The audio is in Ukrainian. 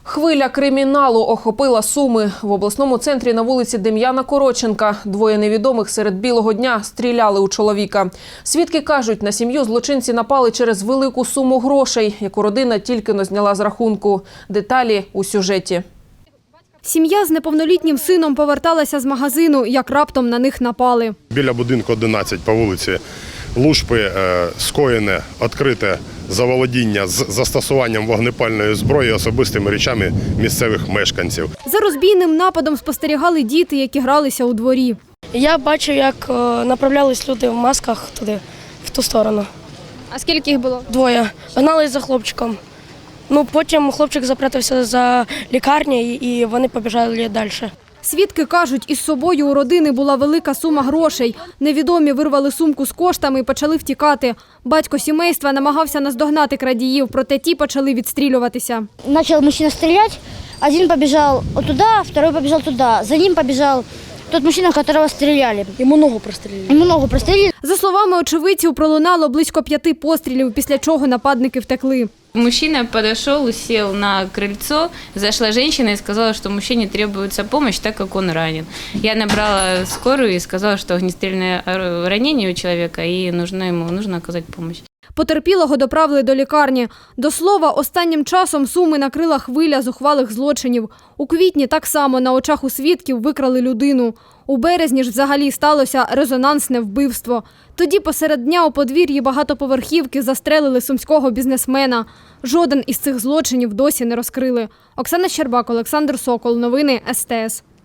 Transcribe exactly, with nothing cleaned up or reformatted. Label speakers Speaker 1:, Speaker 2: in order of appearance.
Speaker 1: Хвиля криміналу охопила Суми. В обласному центрі на вулиці Дем'яна Коротченка двоє невідомих серед білого дня стріляли у чоловіка. Свідки кажуть, на сім'ю злочинці напали через велику суму грошей, яку родина тільки-но зняла з рахунку. Деталі у сюжеті.
Speaker 2: Сім'я з неповнолітнім сином поверталася з магазину, як раптом на них напали.
Speaker 3: Біля будинку одинадцять по вулиці Лушпи скоєне відкрите заволодіння з застосуванням вогнепальної зброї особистими речами місцевих мешканців.
Speaker 2: За розбійним нападом спостерігали діти, які гралися у дворі.
Speaker 4: Я бачив, як направлялись люди в масках туди, в ту сторону.
Speaker 2: А скільки їх було?
Speaker 4: Двоє. Гнались за хлопчиком. Ну, потім хлопчик запрятався за лікарнею і вони побіжали далі.
Speaker 2: Свідки кажуть, із собою у родини була велика сума грошей. Невідомі вирвали сумку з коштами і почали втікати. Батько сімейства намагався наздогнати крадіїв, проте ті почали відстрілюватися.
Speaker 5: Почав мужчина стріляти, один побіжав туди, другий побіжав туди. За ним побіжав той мужчина, якого стріляли.
Speaker 4: Йому ногу прострілили.
Speaker 5: Йому ногу прострілили.
Speaker 2: За словами очевидців, пролунало близько п'яти пострілів, після чого нападники втекли.
Speaker 6: Мужчина подошел, сел на крыльцо, зашла женщина и сказала, что мужчине требуется помощь, так как он ранен. Я набрала скорую и сказала, что огнестрельное ранение у человека и нужно ему нужно оказать помощь.
Speaker 2: Потерпілого доправили до лікарні. До слова, останнім часом Суми накрила хвиля зухвалих злочинів. У квітні так само на очах у свідків викрали людину. У березні ж взагалі сталося резонансне вбивство. Тоді посеред дня у подвір'ї багатоповерхівки застрелили сумського бізнесмена. Жоден із цих злочинів досі не розкрили. Оксана Щербак, Олександр Сокол. Новини ес те ес.